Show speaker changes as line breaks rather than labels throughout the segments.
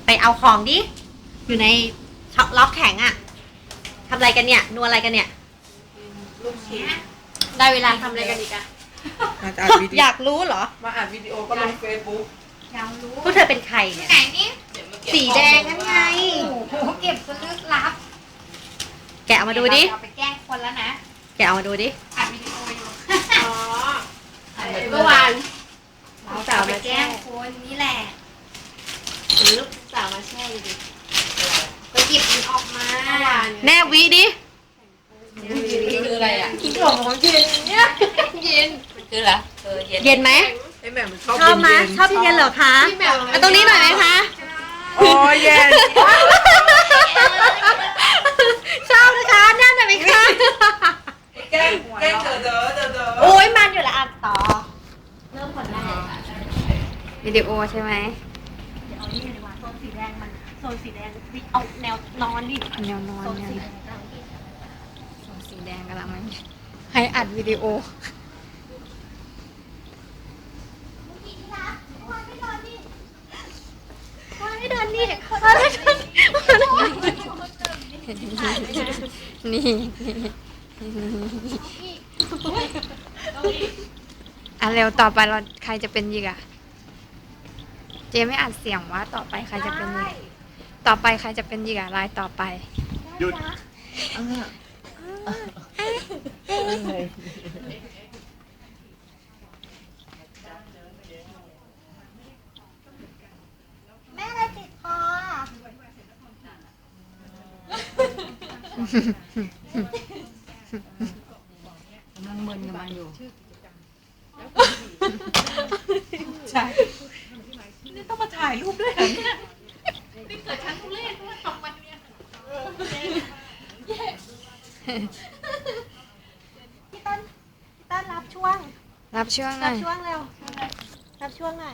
ไปเอาของดิอยู่ในช็อปล็อกแข็งอะทำอะไรกันเนี่ยนัวอะไรกันเนี่ย
ลูกชิ้น
ได้เวลาทำอะไรกันอีกอะ
มาอัดวิดี
อยากรู้เหรอ
มาอัดวิดีโอก็ลงเฟซบุ๊ก
อยากรู้
พวกเธอเป็นใครเนี่ย
ไหนนี่
สีแดงนั่นไง
โอ้โหเก็บซะลึกลับ
แกะเอามาดูดิ
เอาไปแกล้งคนแล้วนะ
แกะเอามาดูดิ
อัดวิดีโออยู่
อ๋อ
เมื่อวานเราจะเอาไปแกล้งคนนี่แหละ
ลูกสาวมาแช่ดิ
ก็หยิบมันออกมา
แน่วิดิ
คืออะไรอ่ะ
กินของเย็นเนี่ยเย็น
คืออะไรเย็น
เย็นไหม
ไอ้แม่มันชอบ
ชอบไหม
เย็น
ชอบเย็นเหรอคะมาตรงนี้หน่อยไหมคะ
โอ้ยเย็น
ชอบนะคะแน่นหน่อยไหมคะ
แกล้งเด้อ
โอ้ยมันอยู่ละอันต่อ
เริ่มคนแรก
วิดีโอใช่ไหม
เดี๋ยวเอานี่ดีกว่าโซนสีแดงมันโซนสีแดงเอาแนวนอนดิ
แนวนอน
โซน
เนี่ย
สีแดงกำลังดี
สีแดงกำลังมันให้อัดวิดีโอ ไม่เดินนี่นี่อ่ะเร็วต่อไปเราใครจะเป็นยีกอะเจไม่อัดเสียงว่าต่อไปใครจะเป็นยีกต่อไปใครจะเป็นยีกอะลายต่อไป
หยุด
แม่อะไรติดคอ
นั่งมึนกับมันอยู่
ใช่นี่ต้องมาถ่ายรูปด้วยเหรอเนี่ย
นี่เกิดชั้นทุเรศเพราะว่าสองวันเนี่ยพี่ต้นรับช่วง
รับช่วงหน่
รั
อบ ย
ช่วงเร็วรับช่วงหน่อย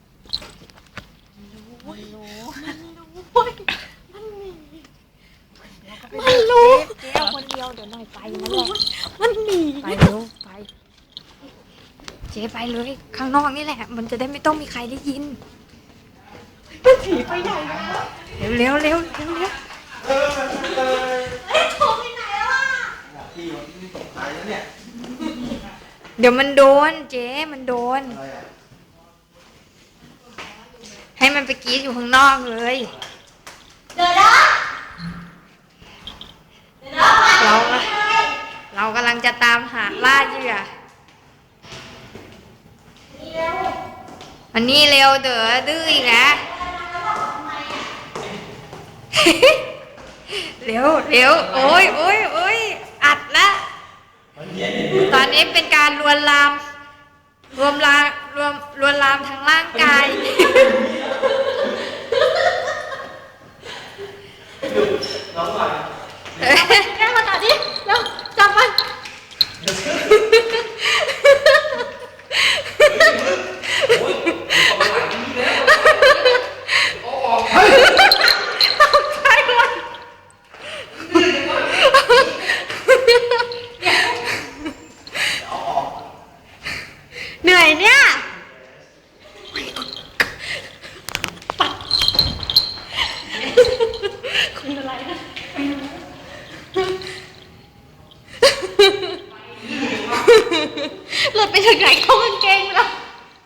มันรู้
เจ๊เอาคนเดียวเดี๋ยวหน่อยไปนั่นแหละ
มันหนีไปเร็วไป เจ๊ไปเลย ข้างนอกนี่แหละ มันจะได้ไม่ต้องมีใครได้ยินมันถีไปใหญ่เร็วเร็วเร็วเร็ว
พี่วันนี้ตกใจแล้วเนี่ย
เดี๋ยวมันโดน เจ๊มันโดน
อะไรอ่ะ
ให้มันไปกรีดอยู่ข้างนอกเลย เราเรากำลังจะตามหาล่าเหยื่อวันนี้เร็วเด้อดื้ออีกแล้ว เร็วเร็วโอ้ยโอ้ยโอ้ยอัดละตอนนี้เป็นการลวนลามรวมลามลวนลามทางร่างกาย
น้องหน่อย
แก้มาต่อดิเร็วจับมัน
โอ้ยออกมาหลายทีแล้วโอ้ออก
ตกใจหมดเหนื่อยเนี่ยคุณอะไรนะหลุดไปถึงไหนเข้ากางเกงไปแล้ว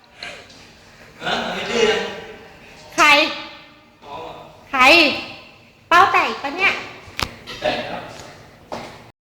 ไม่ดื้อนะ
ใคร ใคร เป้าแตกปะเนี่ย